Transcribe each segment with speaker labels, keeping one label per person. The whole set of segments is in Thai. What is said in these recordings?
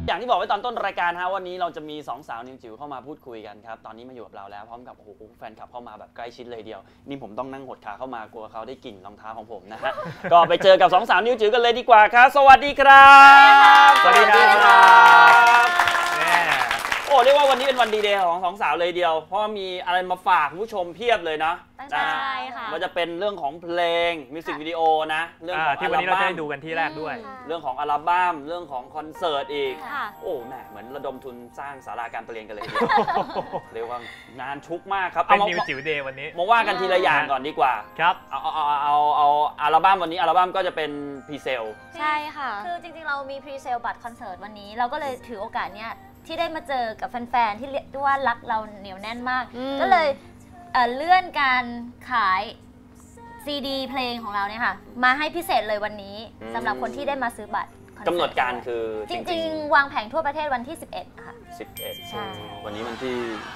Speaker 1: อย่างที่บอกไว้ตอนต้นรายการฮะวันนี้เราจะมี2สาวนิวจิ๋วเข้ามาพูดคุยกันครับตอนนี้มาอยู่กับเราแล้วพร้อมกับโอ้โหแฟนคลับเข้ามาแบบใกล้ชิดเลยเดียวนี่ผมต้องนั่งหดขาเข้ามากลัวเขาได้กลิ่นรองเท้าของผมนะฮะ ก็ไปเจอกับ2สาวนิวจิ๋วกันเลยดีกว่าครับสวัสดีครับ
Speaker 2: สวัสดีครับ
Speaker 1: โอ้เรียกว่าวันนี้เป็นวันดีเดย์ของ2สาวเลยเดียวเพราะว่ามีอะไรมาฝากผู้ชมเพียบเลยนะ
Speaker 3: ใช่ค่ะ
Speaker 1: ว่าจะเป็นเรื่องของเพลงมิวสิกวิดีโอนะเรื่องของ
Speaker 2: ที่วันนี้เราจะได้ดูกันที่แรกด้วย
Speaker 1: เรื่องของอัลบั้มเรื่องของคอนเสิร์ตอีกโอ้แหมเหมือนระดมทุนสร้างศาลาการประเรียนกันเลยเรียกว่างานชุกมากครับ
Speaker 2: เป็นนิวจิ๋วเดย์วันนี้
Speaker 1: มาว่ากันทีละอย่างก่อนดีกว่า
Speaker 2: ครับ
Speaker 1: เอาอัลบั้มวันนี้อัลบั้มก็จะเป็นพรีเซล
Speaker 3: ใช่ค่ะคือจริงๆเรามีพรีเซลบัตรคอนเสิร์ตวันนี้เราก็เลยถือโอกาสเนี้ยที่ได้มาเจอกับแฟนๆที่เรียกว่ารักเราเหนียวแน่นมากก็เลยเลื่อนการขายซีดีเพลงของเราเนี่ยค่ะมาให้พิเศษเลยวันนี้สำหรับคนที่ได้มาซื้อบัตร
Speaker 1: กำหนดการคือ
Speaker 3: จริงๆวางแผงทั่วประเทศวันที่11ค่ะ
Speaker 1: 11ใช่วันนี้วันที่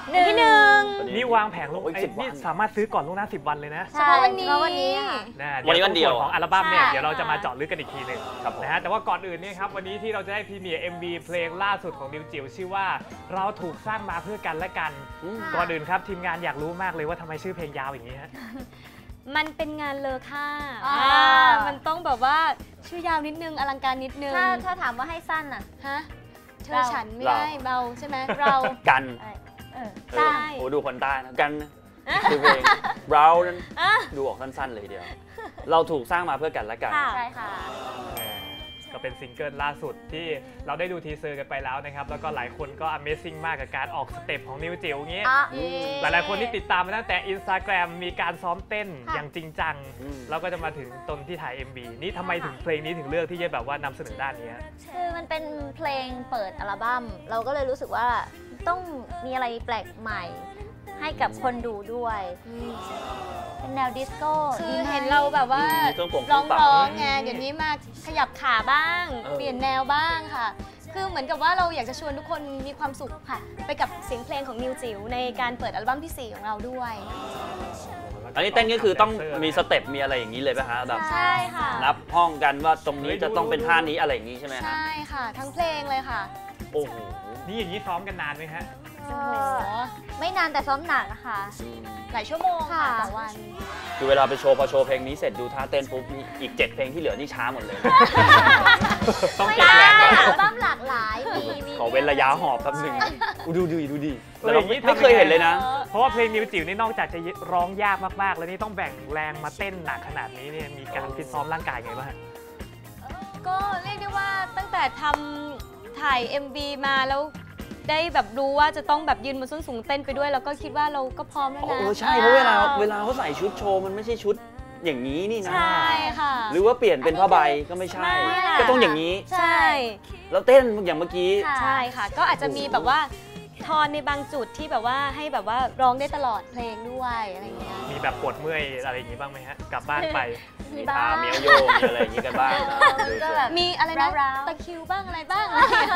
Speaker 3: 1
Speaker 2: นี่วางแผงลงนี่สามารถซื้อก่อนล่วงหน้า10 วันเลยนะ
Speaker 3: ใช่วันนี้
Speaker 1: วันนี้
Speaker 2: วันเดียวของอัลบั้มเนี่ยเดี๋ยวเราจะมาเจาะลึกกันอีกทีหนึ่งนะฮะแต่ว่าก่อนอื่นเนี่ยครับวันนี้ที่เราจะได้พรีเมียร์ MV เพลงล่าสุดของนิวจิ๋วชื่อว่าเราถูกสร้างมาเพื่อกันและกันก่อนอื่นครับทีมงานอยากรู้มากเลยว่าทำไมชื่อเพลงยาวอย่างนี้ฮะ
Speaker 4: มันเป็นงานเลอค่ามันต้องแบบว่าชื่อยาวนิดนึงอลังการนิดนึง
Speaker 3: ถ้าถามว่าให้สั้นอ่ะ
Speaker 4: ฮะเธอฉันไม่ได้เบาใช่ไหมเรา
Speaker 1: กัน
Speaker 3: ใช่
Speaker 1: โอ้ดูคนใต้นะกันคือเพลงเรานั้นดูออกสั้นๆเลยเดียวเราถูกสร้างมาเพื่อกันและกัน
Speaker 3: ใช่ค่ะ
Speaker 2: ก็เป็นซิงเกิลล่าสุดที่เราได้ดูทีเซอร์กันไปแล้วนะครับแล้วก็หลายคนก็ Amazing มากกับการออกสเต็ปของนิวจิ๋วอย่างนี้หลายๆคนที่ติดตามมาตั้งแต่ Instagram มีการซ้อมเต้นอย่างจริงจังแล้วก็จะมาถึงตนที่ถ่าย MV นี่ทำไมถึงเพลงนี้ถึงเลือกที่จะแบบว่านำเสนอด้านนี้
Speaker 3: คือมันเป็นเพลงเปิดอัลบั้มเราก็เลยรู้สึกว่าต้องมีอะไรแปลกใหม่ให้กับคนดูด้วยเป็นแนวดิสโก้
Speaker 4: คือเห็นเราแบบว่าร้องไงเดี๋ยวนี้มาขยับขาบ้างเปลี่ยนแนวบ้างค่ะคือเหมือนกับว่าเราอยากจะชวนทุกคนมีความสุขค่ะไปกับเสียงเพลงของนิวจิ๋วในการเปิดอัลบั้มที่4ของเราด้วย
Speaker 1: อันนี้เต้นก็คือต้องมีสเต็ปมีอะไรอย่างนี้เลยป่ะฮะแบบ
Speaker 3: ใช่ค่ะ
Speaker 1: นับห้องกันว่าตรงนี้จะต้องเป็นท่านี้อะไรอย่างนี้ใช่ไหม
Speaker 4: ใช่ค่ะทั้งเพลงเลยค่ะ
Speaker 1: โอ้โห
Speaker 2: นี่อย่างนี้ซ้อมกันนานไหมฮะ
Speaker 3: ไม่นานแต่ซ้อมหนักอะค่ะ
Speaker 4: หลายชั่วโมงค่ะต่อวัน
Speaker 1: คือเวลาไปโชว์พอโชว์เพลงนี้เสร็จดูท่าเต้นปุ๊บนี่อีก7เพลงที่เหลือนี่ช้าหมดเลย
Speaker 3: ต้องเก็บแรงก่อนอัลบั้มหลากหลาย
Speaker 1: ขอเว้นระยะหอบแป๊บนึงดูดีแต่เราไม่เคยเห็นเลยนะ
Speaker 2: เพราะว่าเพลงนิวจิ๋วนี่นอกจากจะร้องยากมากๆแล้วนี่ต้องแบ่งแรงมาเต้นหนักขนาดนี้เนี่ยมีการฟิตซ้อมร่างกายไงบ้าง
Speaker 4: ก็เรียกได้ว่าตั้งแต่ทำถ่าย MV มาแล้วได้แบบรู้ว่าจะต้องแบบยืนบนส้นสูงเต้นไปด้วยแล้วก็คิดว่าเราก็พร้อมแล้วนะ
Speaker 1: ใช่เพราะเวลาเขาใส่ชุดโชว์มันไม่ใช่ชุดอย่างนี้นี่นะ
Speaker 4: ใช่ค่ะ
Speaker 1: หรือว่าเปลี่ยนเป็นผ้าใบก็ไม่ใช่ก็ต้องอย่างนี้
Speaker 4: ใช่
Speaker 1: แล้วเต้นอย่างเมื่อกี้
Speaker 4: ใช่ค่ะก็อาจจะมีแบบว่าทอนในบางจุดที่แบบว่าให้แบบว่าร้องได้ตลอดเพลงด้วยอะไรอย่างเงี้ย
Speaker 2: มีแบบปวดเมื่อยอะไรอย่างงี้บ้างไหมฮะกลับบ้านไป
Speaker 1: มีตาเมียวโยมีอะไรอย่างงี้กันบ้าง
Speaker 4: มีอะไรนะตะคิวบ้างอะไรบ้าง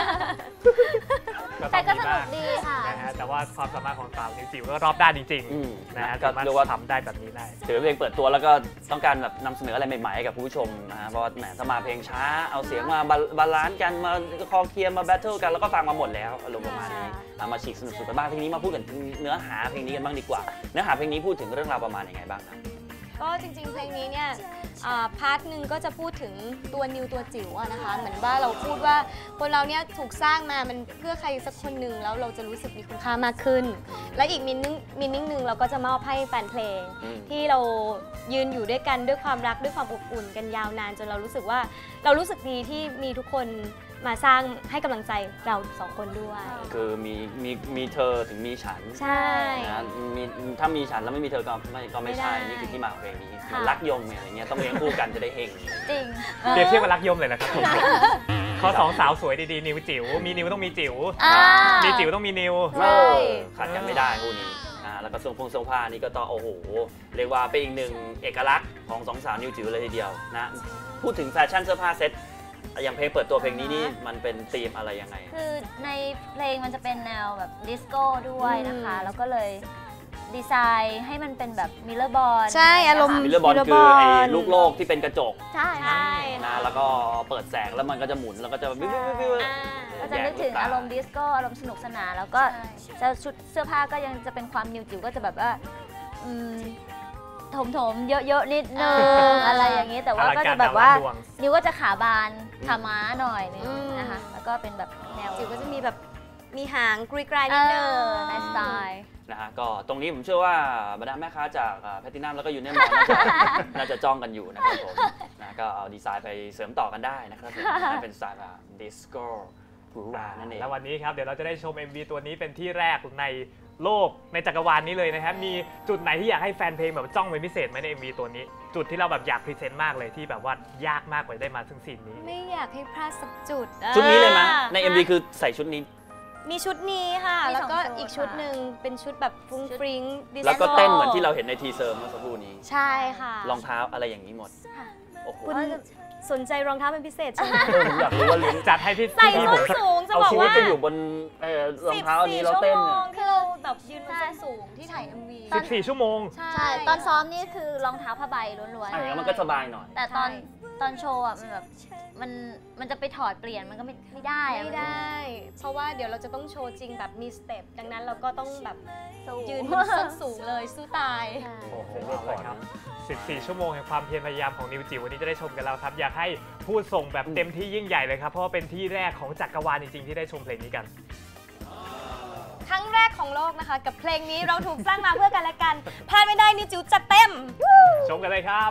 Speaker 3: แต่ก็สนุกดีค่ะ
Speaker 2: นะฮะแต่ว่าความสามารถของสาวนิวจิ๋วก็รอบด้านจริงๆนะฮะก็เรียกว่าทำได้แบบนี้ได้
Speaker 1: ถือเพลงเปิดตัวแล้วก็ต้องการแบบนำเสนออะไรใหม่ๆให้กับผู้ชมนะฮะเพราะว่าแหมถ้ามาเพลงช้าเอาเสียงมาบาลานซ์กันมาคอเคลียร์มาแบทเทิลกันแล้วก็ฟังมาหมดแล้วอารมณ์ประมาณนี้มาฉีกสนุกๆกันบ้างเพลงนี้มาพูดกันเนื้อหาเพลงนี้กันบ้างดีกว่าเนื้อหาเพลงนี้พูดถึงเรื่องราวประมาณยังไงบ้างครับ
Speaker 4: ก็จริงๆเพลงนี้เนี่ยพาร์ทหนึ่งก็จะพูดถึงตัวนิวตัวจิ๋วนะคะเหมือนว่าเราพูดว่าคนเราเนี่ยถูกสร้างมามันเพื่อใครสักคนหนึ่งแล้วเราจะรู้สึกมีคุณค่ามากขึ้นและอีกมินนิ่งหนึ่งเราก็จะมอบให้แฟนเพลงที่เรายืนอยู่ด้วยกันด้วยความรักด้วยความอบอุ่นกันยาวนานจนเรารู้สึกว่าเรารู้สึกดีที่มีทุกคนมาสร้างให้กำลังใจเรา2 คนด้วย
Speaker 1: คือมีเธอถึงมีฉัน
Speaker 4: ใช่
Speaker 1: นะถ้ามีฉันแล้วไม่มีเธอก็ไม่ใช่นี่คือที่มาของเพลงนี้รักยมอะไรเงี้ยต้องเลี้ยงคู่กันจะได้เฮง
Speaker 3: จริง
Speaker 2: เปรียบเทียบกับรักยมเลยนะครับเขา2 สาวสวยดีๆนิวจิ๋วมีนิวต้องมีจิ๋วมีจิ๋วต้องมีนิว
Speaker 1: ขาดกันไม่ได้คู่นี้แล้วก็ทรงผ้านี่ก็ต้องโอ้โหเรียกว่าเป็นอีกหนึ่งเอกลักษณ์ของ2 สาวนิวจิ๋วเลยทีเดียวนะพูดถึงแฟชั่นเสื้อผ้าเซ็ตอย่างเพลงเปิดตัวเพลงนี้นี่มันเป็นธีมอะไรยังไง
Speaker 3: คือในเพลงมันจะเป็นแนวแบบดิสโก้ด้วยนะคะแล้วก็เลยดีไซน์ให้มันเป็นแบบมิลเลอร์บอล
Speaker 4: ใช่อารมณ์
Speaker 1: มิลเลอร์บอลคือไอ้ลูกโลกที่เป็นกระจก
Speaker 3: ใช่
Speaker 4: ใช่
Speaker 1: นะแล้วก็เปิดแสงแล้วมันก็จะหมุนแล้วก็จะวิววิววิว
Speaker 3: ก็จะนึกถึงอารมณ์ดิสโก้อารมณ์สนุกสนานแล้วก็จะชุดเสื้อผ้าก็ยังจะเป็นความนิวจิ๋วก็จะแบบว่าถมๆเยอะๆนิดนึงอะไรอย่างนี้แต่ว่าก็จะแบบว่านิวก็จะขาบานขาม้าหน่อยนึงนะคะแล้วก็เป็นแบบแนว
Speaker 4: จิ๋วก็จะมีแบบมีหางกรีกรายนิดนึง
Speaker 3: ในสไตล์
Speaker 1: นะฮะก็ตรงนี้ผมเชื่อว่าบรรดาแม่ค้าจากแพทินัมแล้วก็ยูเนียนมอลน่าจะจ้องกันอยู่นะครับผมนะก็เอาดีไซน์ไปเสริมต่อกันได้นะครับผมนั่นเป็นสไตล์แบบดิสโก้หรูหรานั่นเอง
Speaker 2: แล้ววันนี้ครับเดี๋ยวเราจะได้ชม MV ตัวนี้เป็นที่แรกในโลกในจักรวาลนี้เลยนะครับมีจุดไหนที่อยากให้แฟนเพลงแบบจ้องเป็นพิเศษไหมใน MV ตัวนี้ จุดที่เราแบบอยากพรีเซนต์มากเลยที่แบบว่ายากมากกว่าได้มาซึ่งซีนนี้
Speaker 4: ไม่อยากให้พลาดสักจุด
Speaker 1: ชุดนี้เลยไหมใน MV คือใส่ชุดนี้
Speaker 4: มีชุดนี้ค่ะ
Speaker 3: มี
Speaker 4: แล้วก็
Speaker 3: สองชุด
Speaker 4: อีกชุดหนึ่งเป็นชุดแบบฟรุ้งฟริ้งดิสโก้
Speaker 1: แล้วก็เต้นเหมือนที่เราเห็นในทีเซอร์เมื่อสักครู่นี้
Speaker 4: ใช่ค่ะ
Speaker 1: รองเท้าอะไรอย่างนี้หมดโอ้โห
Speaker 4: คุณสนใจรองเท้าเป็นพิเศษใช่ไหม
Speaker 1: ผมอยากรู้ว่าเลี้ยง
Speaker 2: จัดให้พี่
Speaker 4: ใส่
Speaker 2: พี่
Speaker 4: ส้
Speaker 2: ผ
Speaker 4: น
Speaker 2: ม
Speaker 4: สูงจะ
Speaker 1: เอา
Speaker 4: บอก
Speaker 1: ชีวิต
Speaker 4: ว่า
Speaker 1: ไปอยู่บนรองเท้าอันนี้แล้วเต้น
Speaker 4: ชั่วโม
Speaker 1: เนี่ย
Speaker 4: งที่เราแบบยืนบนส้นสูงที่ถ่าย MV
Speaker 2: 14 ชั่วโมง
Speaker 3: ใช่ตอนซ้อมนี่คือรองเท้าผ้าใบล้วน
Speaker 1: อะไรอย่างเงี้ยมันก็สบายหน่อย
Speaker 3: ๆแต่ตอนโชว์อ่ะมันแบบมันจะไปถอดเปลี่ยนมันก็ไม่ได้อะ
Speaker 4: ไม่ได้ เพราะว่าเดี๋ยวเราจะต้องโชว์จริงแบบมีสเต็ปดังนั้นเราก็ต้องแบบ
Speaker 3: สู้
Speaker 4: ยืนบนส้นสูงเลยสู้ตาย
Speaker 3: ใช่
Speaker 2: โอ้โหเอาเลยครับ 14 ชั่วโมงแห่งความเพียรพยายามของนิวจิ๋ววันนี้จะได้ชมกันแล้วครับ อยากให้พูดส่งแบบเต็มที่ยิ่งใหญ่เลยครับ เพราะว่าเป็นที่แรกของจักรวาลจริงๆที่ได้ชมเพลงนี้กัน
Speaker 4: ครั้งแรกของโลกนะคะ กับเพลงนี้เราถูกสร้างมาเพื่อกันและกันพลาดไม่ได้นิวจิ๋วจัดเต็ม
Speaker 2: ชมกันเลยครับ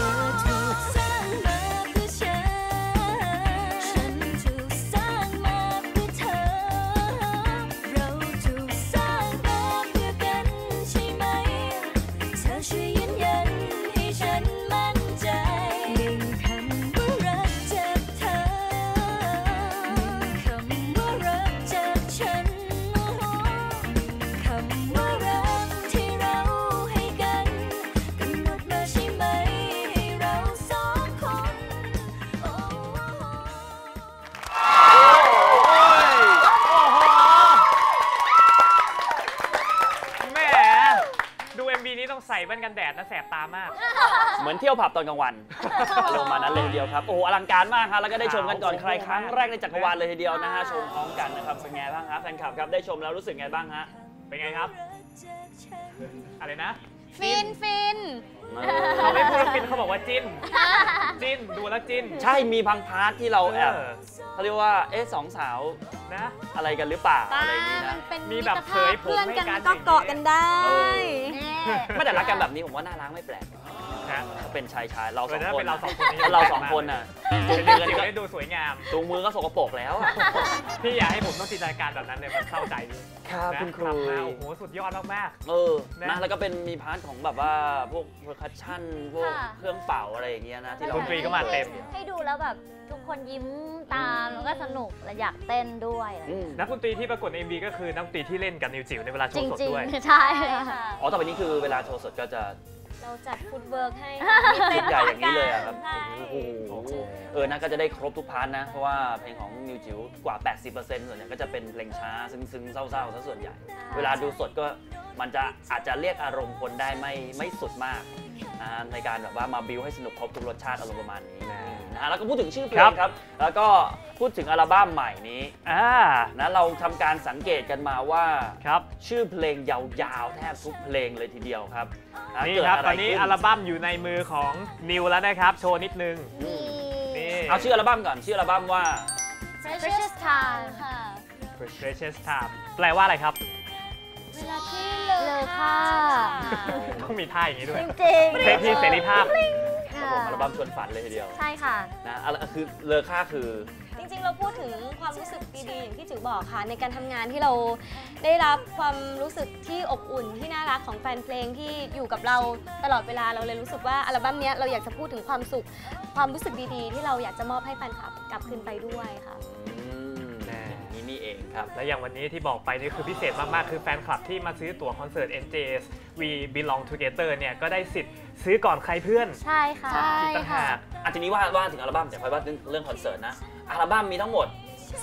Speaker 2: แหมดู MV นี้ต้องใส่แว่นกันแดดนะแสบตามาก
Speaker 1: เหมือนเที่ยวผับตอนกลางวันอารมณ์มานั้นเลยทีเดียวครับ โอ้โหอลังการมากครับแล้วก็ได้ชมกันก่อนใครครั้งแรกในจักรวาลเลยทีเดียวนะฮะชมพร้อมกันนะครับเป็นไงบ้างครับแฟนคลับครับได้ชมแล้วรู้สึกไงบ้างฮะ
Speaker 2: เป็นไงครับ อะไรนะ
Speaker 4: ฟินฟิน
Speaker 2: เขาไม่พูดว่าฟินเขาบอกว่าจิ้น จิ้นดูแล้วจิ้น
Speaker 1: ใช่มีบางพาร์ทที่เราแอบ
Speaker 2: เออ
Speaker 1: เขาเรียกว่าสองสาว
Speaker 2: นะ
Speaker 1: อะไรกันหรือเปล่า
Speaker 4: ป้า
Speaker 1: อะไรอย่างนี้
Speaker 4: มั
Speaker 1: นะ
Speaker 4: นเป็น
Speaker 2: มีแบบเผยผม
Speaker 4: เพื่อน
Speaker 2: ให้
Speaker 4: กัน
Speaker 2: กัน
Speaker 4: ก็เกาะกันได้
Speaker 1: ไม่แต่รักกันแบบนี้ผมว่าน่ารักไม่แปลก
Speaker 2: นะ
Speaker 1: เป็นชายเราสอง
Speaker 2: ถ้า
Speaker 1: คน
Speaker 2: เป็นเราสองคนนี้
Speaker 1: แล้วเราสองคนน่ะจูง
Speaker 2: เป็น
Speaker 1: มือ
Speaker 2: จิ๋ว
Speaker 1: กัน
Speaker 2: ได้ดูสวยงาม
Speaker 1: จูงมือก็สกปรกแล้วอะ
Speaker 2: พี่อยากให้ผมต้องจินตนาการแบบนั้นเลยมันเข้าใจดี
Speaker 1: ครับ
Speaker 2: นะ
Speaker 1: คุณครู
Speaker 2: ทำมาโอ้โหสุดยอดมาก
Speaker 1: นะ
Speaker 2: นะ
Speaker 1: แล้วก็เป็นมีพาร์ทของแบบว่าพวกเพอร์คัชชั่นพวก
Speaker 3: ค่ะ
Speaker 1: เครื่องเป่าอะไรอย่างเงี้ยนะที่เรา
Speaker 2: ดนตรีก็มาเต็ม
Speaker 3: ให้ดูแล้วแบบทุกคนยิ้มตามแล้วก็สนุกและอยากเต้นด้วยอะไร
Speaker 1: อืม
Speaker 2: ๆนักดนตรีที่ปรากฏใน MV ก็คือนักดนตรีที่เล่นกับนิวจิ๋วในเวลาโช
Speaker 3: จริ
Speaker 2: ว์
Speaker 3: ง
Speaker 2: สด
Speaker 3: จริง
Speaker 2: ด้วย
Speaker 3: ใช่
Speaker 4: ค่ะ
Speaker 1: อ๋อต่อไปนี้คือเวลาโชว์สดก็จะ
Speaker 4: เราจัดฟุตเวิร์กให้
Speaker 1: ชุดใหญ่อย่างนี้เลยอะครับ
Speaker 4: ใช่
Speaker 1: โอ้โหนะก็จะได้ครบทุกพาร์ทนะ เพราะว่าเพลงของนิวจิ๋วกว่า 80%ส่วนใหญ่ก็จะเป็นเพลงช้าซึ้งๆเศร้าๆซะส่วนใหญ่ เวลาดูสดก็มันจะอาจจะเรียกอารมณ์คนได้ไม่สุดมากในการแบบว่ามาบิวให้สนุกครบทุกรสชาติอารมณ์ประมาณนี้นะฮะแล้วก็พูดถึงชื่อเพลงครับ แล้วก็พูดถึงอัลบั้มใหม่นี้ นะเราทำการสังเกตกันมาว่า
Speaker 2: ครับ
Speaker 1: ชื่อเพลงยาวๆแทบทุกเพลงเลยทีเดียวครับ
Speaker 2: นี่
Speaker 1: เกิด
Speaker 2: ครับ
Speaker 1: ะ
Speaker 2: ต
Speaker 1: ไร
Speaker 2: อนนี้
Speaker 1: ขึ้
Speaker 2: อัลบั้มอยู่ในมือของนิวแล้วนะครับ โชว์นิดนึง นี่
Speaker 1: เอาชื่ออัลบั้มก่อนชื่ออัลบั้มว่า
Speaker 3: Precious Time
Speaker 4: ค่ะ
Speaker 2: Precious Time แปลว่าอะไรครับ
Speaker 4: เวลาที่
Speaker 3: เลอค่า
Speaker 2: ต้องมีท่าอย่างนี้ด้วย
Speaker 3: จริง
Speaker 2: เพลงที่เสรีภาพ
Speaker 1: ครับผมอัลบั้มชวนฝันเลยทีเดียว
Speaker 3: ใช่ค่ะ
Speaker 1: นะคือเลอค่าคือ
Speaker 4: จริงๆ เราพูดถึงความรู้สึกดีๆ อย่างที่จิ๋วบอกค่ะ ในการทำงานที่เราได้รับความรู้สึกที่อบอุ่นที่น่ารักของแฟนเพลงที่อยู่กับเราตลอดเวลาเราเลยรู้สึกว่าอัลบั้มเนี้ยเราอยากจะพูดถึงความสุขความรู้สึกดีๆ ที่เราอยากจะมอบให้แฟนคลับกลับคืนไปด้วยค่ะ
Speaker 2: แน่
Speaker 1: อย่างนี้นี่เองครับ
Speaker 2: และอย่างวันนี้ที่บอกไปนี่คือพิเศษมาก ๆ คือแฟนคลับที่มาซื้อตั๋วคอนเสิร์ต NJS We Belong Together เนี่ยก็ได้สิทธิ์ซื้อก่อนใครเพื่อน
Speaker 3: ใช่ค่ะ
Speaker 4: ใช่
Speaker 2: อีกต่างหาก
Speaker 1: ทีนี้ว่าถึงอัลบั้มแต่ค่อยว่าเรื่องคอนเสิร์ตนะ อัลบั้มมีทั้งหมด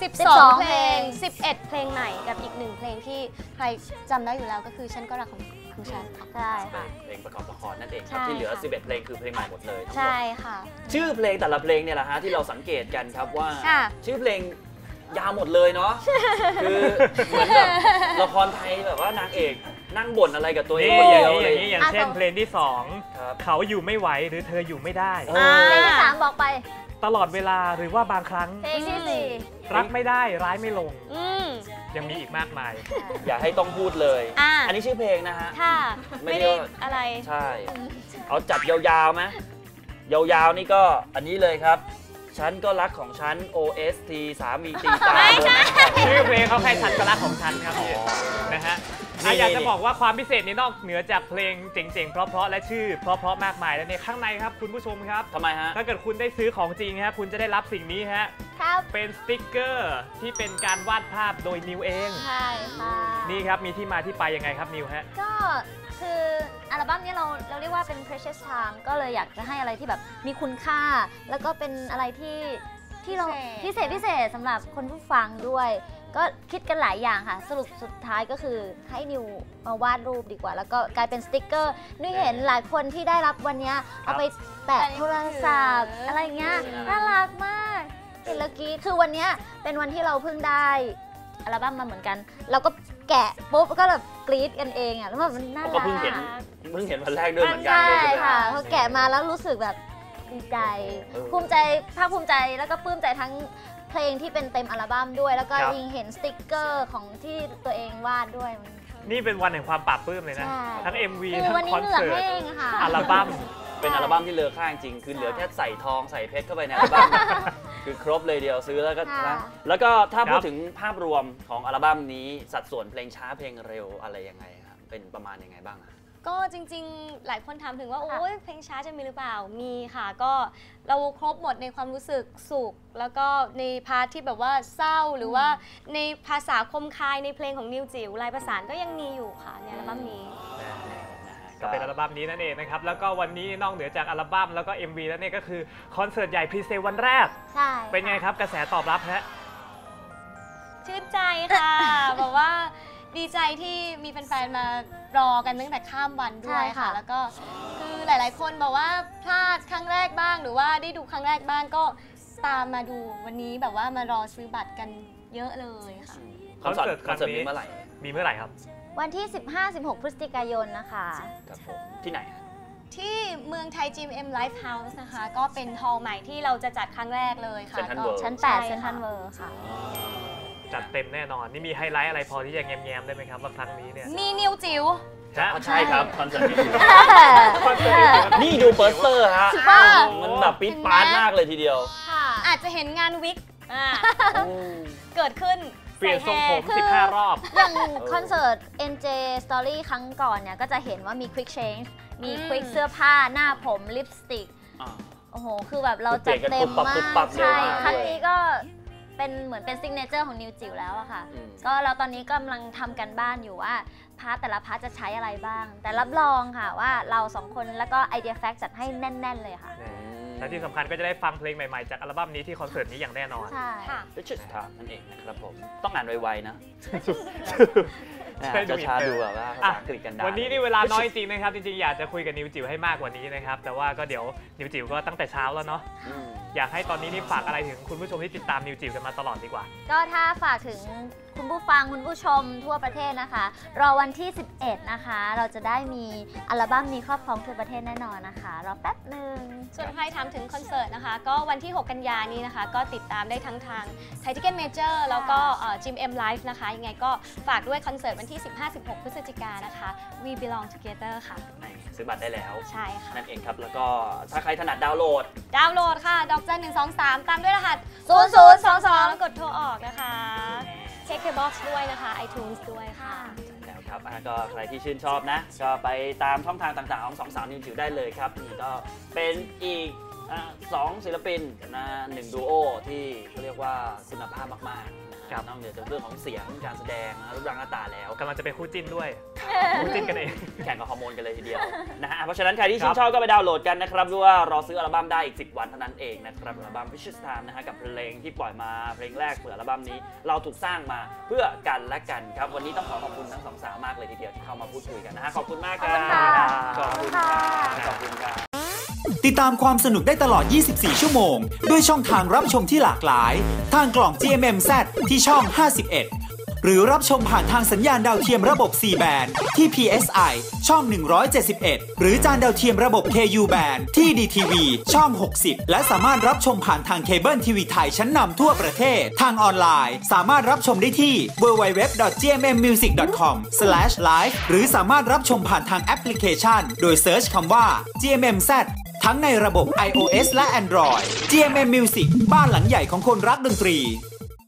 Speaker 4: 12 เพลง 11 เพลงใหม่กับอีก1เพลงที่ใครจำได้อยู่แล้วก็คือฉันก็รักของคุณชัน
Speaker 3: ใช่ค่ะ
Speaker 1: เพลงประกอบละครนั่นเองครับ
Speaker 4: ใช่
Speaker 1: ที่เหลือ
Speaker 4: ค่ะ
Speaker 1: 11 เพลงคือเพลงใหม่หมดเลยทั้งหม
Speaker 4: ใช่
Speaker 1: ด
Speaker 4: ค่ะ
Speaker 1: ชื่อเพลงแต่ละเพลงเนี่ยแหละฮะที่เราสังเกตกันครับว่า
Speaker 4: ค่ะ
Speaker 1: ชื่อเพลงยาวหมดเลยเนาะคือเหมือนแบบละครไทยแบบว่านางเอกนั่งบ่นอะไรกับตัวเอง
Speaker 2: นี่
Speaker 1: คน
Speaker 2: อ
Speaker 1: เดี
Speaker 2: ย่าง
Speaker 1: ยว
Speaker 2: นี้
Speaker 1: เล
Speaker 2: อย ย่างนี้อย่างเช่นเพลงที่
Speaker 1: ครับ
Speaker 2: 2 เขาอยู่ไม่ไหวหรือเธออยู่ไม่ได้
Speaker 1: เอ
Speaker 3: เพลง
Speaker 1: อ
Speaker 3: ที่สามบอกไป
Speaker 2: ตลอดเวลาหรือว่าบางครั้ง
Speaker 3: เพลงที่สี่
Speaker 2: รักไม่ได้ร้ายไม่ลง
Speaker 4: อืม
Speaker 2: ยังมีอีกมากมาย
Speaker 1: อย่าให้ต้องพูดเลย
Speaker 4: อ่า
Speaker 1: อันนี้ชื่อเพลงนะฮะ
Speaker 4: ค่ะ
Speaker 1: ไม่
Speaker 4: ไม่
Speaker 1: ได้
Speaker 4: ได้
Speaker 1: ว่า
Speaker 4: อะไร
Speaker 1: ใช่ เอาจัดยาวๆไหมยาวๆนี่ก็อันนี้เลยครับ ฉันก็รักของฉัน OST สามีตีตา
Speaker 4: ไม่ใช่
Speaker 2: ชื่อเพลงเขาแค่ฉันก็รักของฉันครับพี่นะฮะ
Speaker 1: นี่
Speaker 2: อยากจะบอกว่าความพิเศษนี้นอกเหนือจากเพลงเจ๋งๆ เพราะๆและชื่อเพราะๆมากมายแล้วเนี่ยข้างในครับคุณผู้ชมครับ
Speaker 1: ทำไมฮะ
Speaker 2: ถ้าเกิดคุณได้ซื้อของจริงฮะคุณจะได้รับสิ่งนี้ฮะ
Speaker 3: ครับ
Speaker 2: เป็นสติกเกอร์ที่เป็นการวาดภาพโดยนิวเอง
Speaker 3: ใช่ค่ะ
Speaker 2: นี่ครับมีที่มาที่ไปยังไงครับนิวฮะ
Speaker 3: ก็คืออัลบั้มนี้เราเรียกว่าเป็น precious time ก็เลยอยากจะให้อะไรที่แบบมีคุณค่า แล้วก็เป็นอะไรที่เราพิเศษสำหรับคนผู้ฟังด้วย ก็คิดกันหลายอย่างค่ะ สรุปสุดท้ายก็คือให้นิวมาวาดรูปดีกว่า แล้วก็กลายเป็นสติกเกอร์นุ้ยเห็นหลายคนที่ได้รับวันนี้เอาไปแปะโทรศัพท์อะไรเงี้ยน่ารักมากเห็นแล้วกรี้คือวันนี้เป็นวันที่เราเพิ่งได้อัลบั้มมาเหมือนกัน เราก็แกะปุ๊บก็แบบกรี๊ดกันเองอ่ะแล้วแบบมันน่ารัก
Speaker 1: ก็เพิ่งเห็นวันแรกด้วยเหมือนกัน
Speaker 3: ใช่
Speaker 1: เลย
Speaker 3: ค่ะ
Speaker 1: ไหม
Speaker 3: พอแกะมาแล้วรู้สึกแบบดีใจ
Speaker 1: เออ
Speaker 3: ภูมิใจภาคภูมิใจแล้วก็ปลื้มใจทั้งเพลงที่เป็นเต็มอัลบั้มด้วย แล้วก็
Speaker 2: ครับ
Speaker 3: ยิงเห็นสติกเกอร์ของที่ตัวเองวาดด้วย
Speaker 2: นี่เป็นวันแห่งความปราบปลื้มเลยนะ
Speaker 3: ใช่
Speaker 2: ทั้ง MV
Speaker 3: คือ
Speaker 2: ทั้ง
Speaker 3: วันนี้
Speaker 2: คอน
Speaker 3: เหงื่อ
Speaker 2: เสิร์ต
Speaker 3: แห้งค่ะ
Speaker 2: อัลบั้ม
Speaker 1: เป็นอัลบั้มที่เลอค่าจริงคือเหลือแค่ใส่ทองใส่เพชรเข้าไปในอัลบั้ม คือครบเลยเดียวซื้อแล้วก็
Speaker 3: ค่ะ
Speaker 1: นะแล้วก็ถ้า
Speaker 2: ครับ
Speaker 1: พูดถึงภาพรวมของอัลบั้มนี้สัดส่วนเพลงช้าเพลงเร็วอะไรยังไงครับเป็นประมาณยังไงบ้างอะ
Speaker 4: ก็จริงๆ หลายคนถามถึงว่า โอ้ยเพลงช้าจะมีหรือเปล่า มีค่ะ ก็เราครบหมดในความรู้สึกสุข แล้วก็ในพาร์ทที่แบบว่าเศร้า หรือว่าในภาษาคมคายในเพลงของนิวจิ๋วลายประสานก็ยังมีอยู่ค่ะในอัลบั้มนี้
Speaker 2: ก็เป็นอัลบั้มนี้นั่นเองนะครับ แล้วก็วันนี้นอกเหนือจากอัลบั้มแล้วก็ MV แล้วเนี่ยก็คือคอนเสิร์ตใหญ่พรีเซลวันแรก
Speaker 3: ใช่
Speaker 2: เป็นไงครับกระแสตอบรับฮะ
Speaker 4: ชื่นใจค่ะ แบบว่าดีใจที่มีแฟนๆ มารอกันตั้งแต่ข้ามวันด้วยค่ะ แล้วก็คือหลายๆ คนบอกว่าพลาดครั้งแรกบ้าง หรือว่าได้ดูครั้งแรกบ้างก็ตามมาดูวันนี้แบบว่ามารอซื้อบัตรกันเยอะเลยค่ะ
Speaker 1: คอนเสิร์ต
Speaker 2: คอนเสิร์ต
Speaker 1: มีเมื่อไหร่
Speaker 2: มีเมื่อไหร่ครับ
Speaker 3: วันที่ 15-16 พฤศจิกายนนะคะ
Speaker 1: ครับผมที่ไหน
Speaker 4: ที่เมืองไทย GMM Live House นะคะ ก็เป็นฮอลล์ใหม่ที่เราจะจัดครั้งแรกเลยค่ะ
Speaker 1: Central
Speaker 4: ก็
Speaker 1: World
Speaker 3: ชั้น
Speaker 4: ใช่
Speaker 3: 8 เซนทรัลเวิลด์ค่ะ
Speaker 2: จัดเต็มแน่นอน นี่มีไฮไลท์อะไรพอที่จะแง้มๆได้ไหมครับว่าครั้งนี้เนี่ย
Speaker 4: มีนิวจิ๋ว
Speaker 2: ฮะ
Speaker 1: ใช่ครับคอนเสิร์ตนี้
Speaker 2: คอนเสิร์ต
Speaker 1: นี่ดูเปิสเตอร์ฮะ
Speaker 3: บ้า
Speaker 1: มันแบบปิ๊ดปาร์ตมากเลยทีเดียว
Speaker 3: ค่ะ
Speaker 4: อาจจะเห็นงานวิกเกิดขึ้น
Speaker 2: เปลี่ยนทรงผม
Speaker 3: คือ
Speaker 2: 15 รอบ
Speaker 3: อย่างคอนเสิร์ต NJ Story ครั้งก่อนเนี่ย ก็จะเห็นว่ามี Quick Change มี Quick เสื้อผ้าหน้าผมลิปสติก โอ้โห คือแบบเราจัดเต็มมา
Speaker 1: คือเปลี่ยนกันปุ๊บปั๊
Speaker 3: ก
Speaker 1: บ
Speaker 3: ใช่
Speaker 1: เร็วมาก
Speaker 3: ครั้งนี้ก็เป็นเหมือนเป็นซิกเนเจอร์ของนิวจิ๋วแล้วอะค่ะ ก็เราตอนนี้กำลังทำกันบ้านอยู่ว่าพาร์ทแต่ละพาร์ทจะใช้อะไรบ้าง แต่รับรองค่ะว่าเราสองคนแล้วก็ไอเดียแฟกจัดให้แน่น ๆ เลยค่ะ
Speaker 2: และที่สำคัญก็จะได้ฟังเพลงใหม่ๆ จากอัลบั้มนี้ที่คอนเสิร์ตนี้อย่างแน่นอน
Speaker 3: ใช่
Speaker 4: ค่ะ
Speaker 1: The Church Time นั่นเองนะครับผม ต้องอ่านไวๆนะ
Speaker 2: ใช่ดู
Speaker 1: ช้า
Speaker 2: อินเตอร์
Speaker 1: ๆดูแบบว่าภาษาอังกฤษกันได้
Speaker 2: วันนี้นี่เวลาน้อยจริงๆนะครับ จริงๆ อยากจะคุยกับนิวจิ๋วให้มากกว่านี้นะครับ แต่ว่าก็เดี๋ยวนิวจิ๋วก็ตั้งแต่เช้าแล้วเนาะ
Speaker 1: อืม
Speaker 2: อยากให้ตอนนี้นี่ฝากอะไรถึงคุณผู้ชมที่ติดตามนิวจิ๋วกันมาตลอดดีกว่า
Speaker 3: ก็ถ้าฝากถึงคุณผู้ฟังคุณผู้ชมทั่วประเทศนะคะ รอวันที่ 11 นะคะ เราจะได้มีอัลบั้มนี้ครอบครองทั่วประเทศแน่นอนนะคะ รอแป๊บหนึ่ง
Speaker 4: ส่วนใครถามถึงคอนเสิร์ตนะคะ ก็วันที่ 6 กันยานี้นะคะ ก็ติดตามได้ทั้งทางไทยทิเก็ตเมเจอร์แล้วก็จิมเอ็มไลฟ์นะคะ ยังไงก็ฝากด้วยคอนเสิร์ตวันที่ 15-16 พฤศจิกายนนะคะ We Belong Together ค่ะ
Speaker 1: ซื้อบัตรได้แล้ว
Speaker 4: ใช่ค่ะ
Speaker 1: นั่นเองครับ แล้วก็ถ้าใครถนัดดาวน์โหลด
Speaker 4: ดาวน์โหลดค่ะ ดอกจัน123 ตามด้วยรหัส 0022 แล้วกดโทรออกนะคะ เช็คเคบ็อกซ์ด้วยนะคะ iTunes ด้วยค่ะ
Speaker 1: แล้วครับก็ใครที่ชื่นชอบนะ ก็ไปตามช่องทางต่างๆของสองสาวนิวจิ๋วได้เลยครับนี่ก็เป็นอีก2 ศิลปินนะ1 ดูโอที่เขาเรียกว่าคุณภาพมากๆนะฮะนอกเหนือจากเรื่องของเสียงการแสดงรูปร่างหน้าตาแล้ว
Speaker 2: กำลังจะเป็นคู่จิ้นด้วย คู่จิ้นกันเอง
Speaker 1: แข่งกับฮอร์โมนกันเลยทีเดียวนะฮะเพราะฉะนั้นใครที่ชื่นชอบก็ไปดาวน์โหลดกันนะครับหรือว่ารอซื้ออัลบั้มได้อีก10 วันเท่านั้นเองนะครับอัลบั้ม Vicious Time นะฮะกับเพลงที่ปล่อยมาเพลงแรกเปิดอัลบั้มนี้เราถูกสร้างมาเพื่อกันและกันครับวันนี้ต้องขอบคุณทั้งสองสาวมากเลยทีเดียวที่เข้ามาพูดคุยกันนะฮะขอบคุณมากครับขอบคุณครับ
Speaker 5: ติดตามความสนุกได้ตลอด 24 ชั่วโมงด้วยช่องทางรับชมที่หลากหลายทางกล่อง GMMZ ที่ช่อง 51 หรือรับชมผ่านทางสัญญาณดาวเทียมระบบ C band ที่ PSI ช่อง 171 หรือจานดาวเทียมระบบ KU band ที่ DTV ช่อง 60 และสามารถรับชมผ่านทางเคเบิลทีวีไทยชั้นนำทั่วประเทศทางออนไลน์สามารถรับชมได้ที่ www.gmmmusic.com/live หรือสามารถรับชมผ่านทางแอปพลิเคชันโดยเซิร์ชคำว่า GMMZ ทั้งในระบบ iOS และ Android GMM Music บ้านหลังใหญ่ของคนรักดนตรี